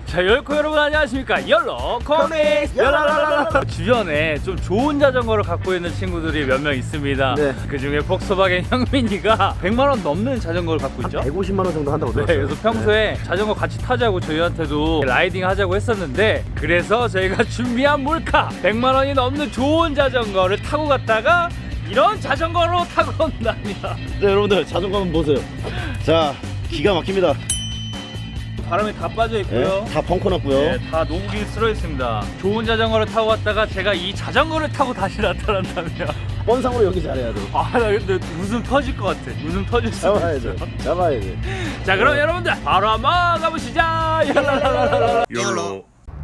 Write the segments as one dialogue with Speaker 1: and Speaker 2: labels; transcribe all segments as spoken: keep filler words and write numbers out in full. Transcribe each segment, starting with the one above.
Speaker 1: 자, 열코 여러분 안녕하십니까. 열로 코믹스 열라라라라. 주변에 좀 좋은 자전거를 갖고 있는 친구들이 몇 명 있습니다.
Speaker 2: 네.
Speaker 1: 그 중에 폭스바겐 형민이가 백만 원 넘는 자전거를 갖고 있죠.
Speaker 2: 백오십만 원 정도 한다고
Speaker 1: 네,
Speaker 2: 들었어요.
Speaker 1: 그래서 평소에
Speaker 2: 네.
Speaker 1: 자전거 같이 타자고 저희한테도 라이딩 하자고 했었는데, 그래서 저희가 준비한 몰카 백만 원이 넘는 좋은 자전거를 타고 갔다가 이런 자전거로 타고 온답니다.
Speaker 2: 네, 여러분들 자전거 한번 보세요. 자, 기가 막힙니다.
Speaker 1: 바람이 다 빠져 있고요.
Speaker 2: 네, 다 펑크 났고요.
Speaker 1: 네, 다 녹이 쓸어 있습니다. 좋은 자전거를 타고 갔다가 제가 이 자전거를 타고 다시 나타난다면
Speaker 2: 뻔상으로 여기 잘해야 돼.
Speaker 1: 아, 나 근데 웃음 터질 것 같아. 웃음 터질 수
Speaker 2: 잡아야
Speaker 1: 있어.
Speaker 2: 돼. 잡아야 돼.
Speaker 1: 자, 그럼
Speaker 2: 네.
Speaker 1: 여러분들 바로 한번 가보시죠. 열라라라라. 열로.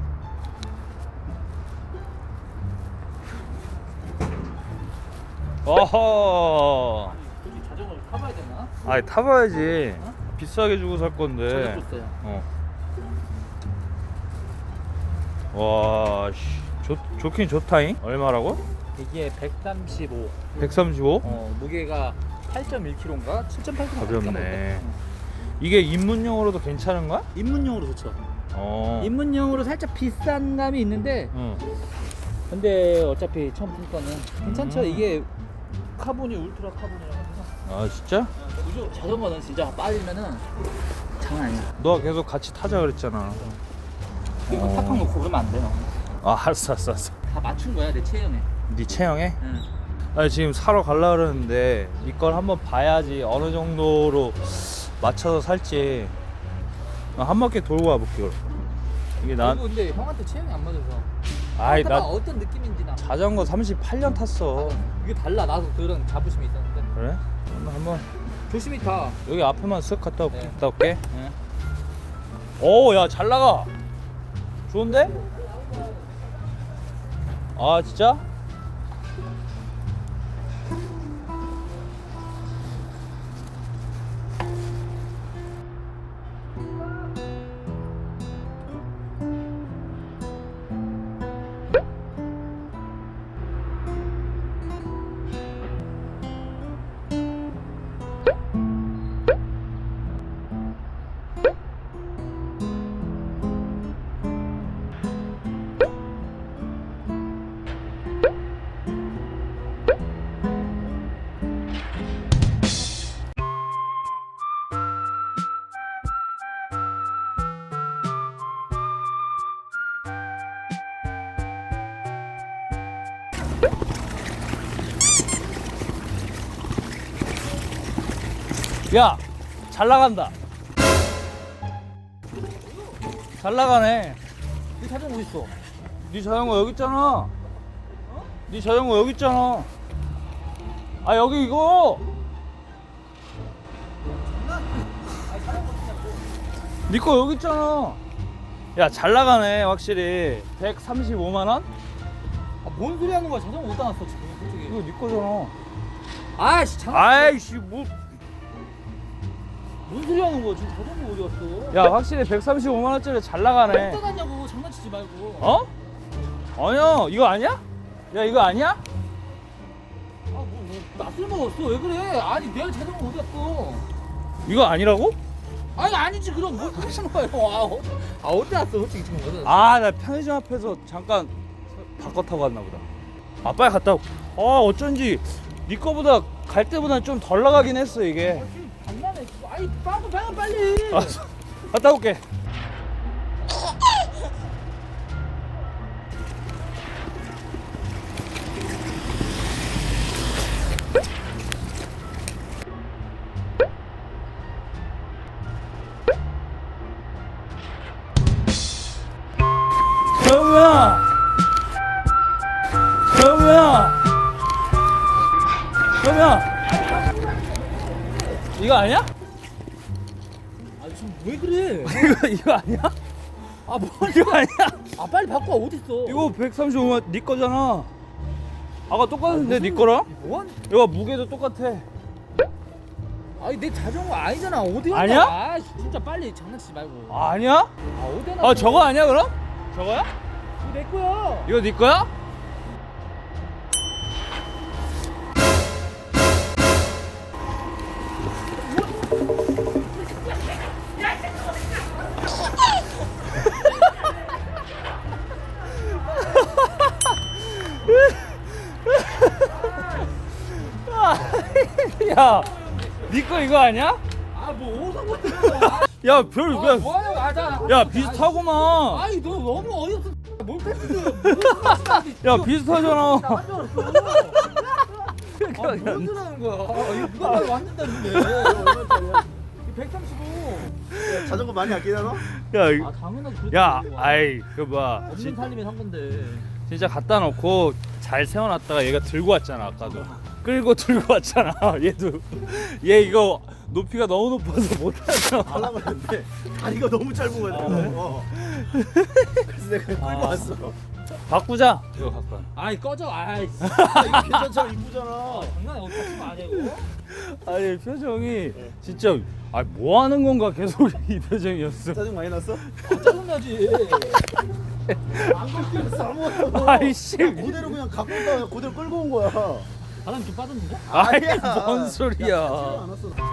Speaker 1: 어허.
Speaker 3: 여기 자전거를 타봐야 되나?
Speaker 1: 아니, 타봐야지. 비싸게 주고 살 건데.
Speaker 3: 줬어요.
Speaker 1: 어. 와, 씨. 좋, 좋긴 좋다잉. 얼마라고?
Speaker 3: 이게 백삼십오.
Speaker 1: 백삼십오?
Speaker 3: 어, 무게가 팔 점 일 킬로그램인가? 칠 점 팔 킬로그램.
Speaker 1: 가볍네. 이게 입문용으로도 괜찮은 거야?
Speaker 3: 입문용으로 좋죠.
Speaker 1: 어.
Speaker 3: 입문용으로 살짝 비싼 감이 있는데,
Speaker 1: 응.
Speaker 3: 근데 어차피 처음 탈 거는 괜찮죠.
Speaker 1: 음.
Speaker 3: 이게 카본이 울트라 카본이라고 해서
Speaker 1: 아, 진짜?
Speaker 3: 무조 자전거는 진짜 빠지면은 장난 아니야.
Speaker 1: 너 계속 같이 타자 그랬잖아.
Speaker 3: 이거
Speaker 1: 어.
Speaker 3: 팍팍 놓고 그러면 안 돼요.
Speaker 1: 아, 알았어, 알았어, 알았어.
Speaker 3: 다 맞춘 거야 내 체형에.
Speaker 1: 네 체형에?
Speaker 3: 응.
Speaker 1: 아니, 지금 사러 갈라 그러는데 이걸 한번 봐야지 어느 정도로 맞춰서 살지. 아, 한 바퀴 돌고 와볼게. 그럼. 이게 난
Speaker 3: 그리고 근데 형한테 체형이 안 맞아서.
Speaker 1: 아이,
Speaker 3: 타봐
Speaker 1: 나
Speaker 3: 어떤 느낌인지 나.
Speaker 1: 자전거 삼십팔 년 탔어.
Speaker 3: 이게 달라. 나도 그런 자부심이 있었는데.
Speaker 1: 그래? 한번 한번
Speaker 3: 조심히 타.
Speaker 1: 여기 앞에만 쓱 갔다 올게.
Speaker 3: 네.
Speaker 1: 갔다 올게.
Speaker 3: 네.
Speaker 1: 오, 야, 잘 나가. 좋은데? 아, 진짜? 야, 잘 나간다. 잘 나가네.
Speaker 3: 이 자전거 어디 있어?
Speaker 1: 네 자전거 여기 있잖아. 네 자전거 여기 있잖아. 아, 여기 이거. 네 거 여기 있잖아. 야, 잘 나가네 확실히. 백삼십오만 원?
Speaker 3: 아, 뭔 소리 하는 거야? 자전거 어디다 놨어 지금 솔직히.
Speaker 1: 이거 네 거잖아.
Speaker 3: 아이씨 장난.
Speaker 1: 아이씨, 뭐.
Speaker 3: 뭔 소리 하는 거야? 지금 자전거 어디 갔어?
Speaker 1: 야, 확실히 백삼십오만 원짜리 잘 나가네.
Speaker 3: 어디다 놨냐고. 장난치지 말고.
Speaker 1: 어? 아니야, 이거 아니야? 야, 이거 아니야?
Speaker 3: 아, 뭐, 뭐, 낯을 먹었어. 왜 그래? 아니, 내가 자전거 어디 갔어?
Speaker 1: 이거 아니라고?
Speaker 3: 아니, 아니지. 그럼 뭘 하시는 거예요? 아, 어, 아 어디 갔어? 솔직히 지금 어디 갔어?
Speaker 1: 아, 나 편의점 앞에서 잠깐 바꿔 타고 갔나 보다. 아, 빨리 갔다 올게. 아, 어쩐지 네 거보다 갈 때보다 좀 덜 나가긴 했어, 이게.
Speaker 3: 아, 지금 장난해. 아이, 빵꾸 빨리 빨리.
Speaker 1: 아, 갔다 올게. 정우야! 정우야! 정우야! 이거 아니야?
Speaker 3: 아, 지금 왜 그래?
Speaker 1: 이거, 이거 아니야?
Speaker 3: 아, 뭘?
Speaker 1: 이거 아니야?
Speaker 3: 아, 빨리 바꿔. 어디 있어?
Speaker 1: 이거 백삼십오만 원 네 거잖아. 아까 똑같은데 네 거랑?
Speaker 3: 뭔?
Speaker 1: 이거 무게도 똑같아.
Speaker 3: 아니, 내 자전거 아니잖아. 어디 갔다?
Speaker 1: 아니야?
Speaker 3: 아, 진짜 빨리 장난치지 말고.
Speaker 1: 아니야?
Speaker 3: 아, 어디다 놨어?
Speaker 1: 아, 저거 아니야 그럼? 저거야?
Speaker 3: 이거 내 거야.
Speaker 1: 이거 네 거야? 야, 니거 이거 아니야?
Speaker 3: 아뭐 어디서 못 들어.
Speaker 1: 야, 별,
Speaker 3: 아,
Speaker 1: 야,
Speaker 3: 뭐하냐고. 아, 자,
Speaker 1: 야, 비슷하구만.
Speaker 3: 아니 너 너무 어이없어. 뭘 뺐지?
Speaker 1: 야, 비슷하잖아.
Speaker 3: 나간 줄 알았어. 아, 뭔 줄 아는 거야? 아, 이거 누가 봐도 완전 다른데. 백삼십오.
Speaker 2: 자전거 많이 아끼나 너?
Speaker 1: 야, 이-
Speaker 3: 아, 당연하지. 그렇지.
Speaker 1: 야, 아이, 그 봐.
Speaker 3: 없는 살림에 산 건데.
Speaker 1: 진짜 갖다 놓고 잘 세워놨다가 얘가 들고 왔잖아 아까도 끌고 들고 왔잖아. 얘도 얘 이거 높이가 너무 높아서 못하잖아.
Speaker 2: 하려고 했는데 다리가 너무 짧은 거야. 어. 그래서 내가 끌고
Speaker 3: 아.
Speaker 2: 왔어.
Speaker 1: 바꾸자 이거 갖고 와.
Speaker 3: 아이 꺼져. 아이.
Speaker 2: 이거 괜찮잖아, 이쁘잖아.
Speaker 3: 장난이 어디 같이 마냐고.
Speaker 1: 아니 표정이 진짜 아 뭐 하는 건가 계속 이 표정이었어.
Speaker 2: 짜증 많이 났어?
Speaker 3: 아, 짜증나지.
Speaker 2: 안 걸렸어 아무것도.
Speaker 1: 아이씨.
Speaker 2: 그대로 그냥 갖고 온다 그대로 끌고 온 거야.
Speaker 3: 바람 좀 빠졌는데?
Speaker 1: 아이
Speaker 2: 아니야.
Speaker 1: 뭔 소리야.
Speaker 2: 야, 않았어.